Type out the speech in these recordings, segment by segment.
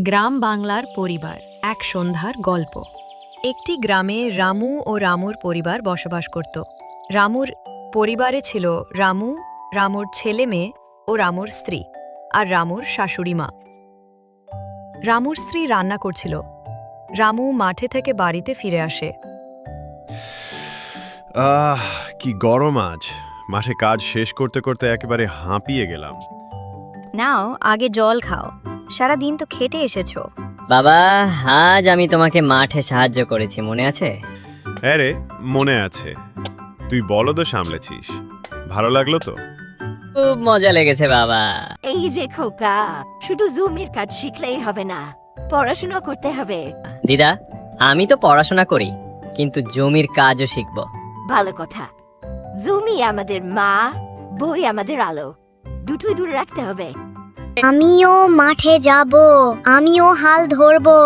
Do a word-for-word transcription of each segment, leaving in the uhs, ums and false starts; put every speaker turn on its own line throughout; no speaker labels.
গ্রাম বাংলার পরিবার এক সন্ধ্যার গল্প। একটি গ্রামে রামু ও রামুর পরিবার বসবাস করত। রামুর পরিবারে ছিল রামু, রামুর ছেলে মেয়ে ও রামুর স্ত্রী আর রামুর শাশুড়ি মা। রামুর স্ত্রী রান্না করছিল। রামু মাঠে থেকে বাড়িতে ফিরে আসে।
আহ কি গরম আজ! মাঠে কাজ শেষ করতে করতে একেবারে হাঁপিয়ে গেলাম।
নাও আগে জল খাও, সারা দিন তো খেটে এসেছো।
বাবা, আজ আমি তোমাকে মাঠে সাহায্য করেছি, মনে আছে?
হ্যাঁ রে, মনে আছে। তুই বলদও সামলেছিস, ভালো লাগলো তো?
খুব মজা লেগেছে বাবা।
এই যে খোকা, শুধু জুমের কাজ শিখলেই হবে না, পড়াশোনা করতে হবে।
দিদা, আমি তো পড়াশোনা করি, কিন্তু জমির কাজও শিখব।
ভালো কথা। জমি আমাদের মা, বই আমাদের আলো, দুটোই দূরে রাখতে হবে।
আমিও মাঠে যাব, আমিও হাল ধরবো।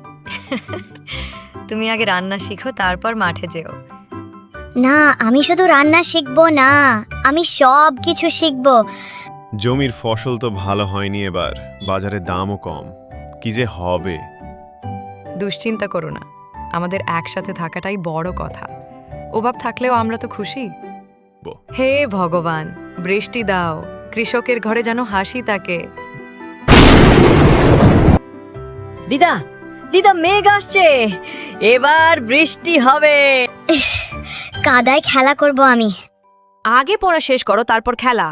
তুমি আগে রান্না শিখো, তারপর মাঠে যেও। না, আমি শুধু রান্না শিখবো না, আমি সব কিছু শিখবো।
জমির ফসল তো ভালো হয়নি এবার, বাজারে দামও কম। কি যে হবে!
দুশ্চিন্তা করো না, আমাদের একসাথে থাকাটাই বড় কথা। অভাব থাকলেও আমরা তো খুশি।
ব-
হে ভগবান, বৃষ্টি দাও, কৃষকের ঘরে যেন হাসি থাকে।
দিদা, দিদা, মেঘ আসছে, এবার বৃষ্টি হবে।
কাদায় খেলা করব আমি।
আগে পড়া শেষ করো, তারপর খেলা।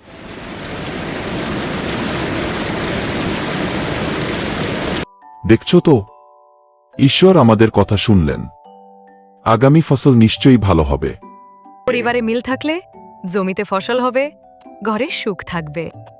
দেখছো তো, ঈশ্বর আমাদের কথা শুনলেন। আগামী ফসল নিশ্চয়ই ভালো হবে।
পরিবারে মিল থাকলে জমিতে ফসল হবে, ঘরে সুখ থাকবে।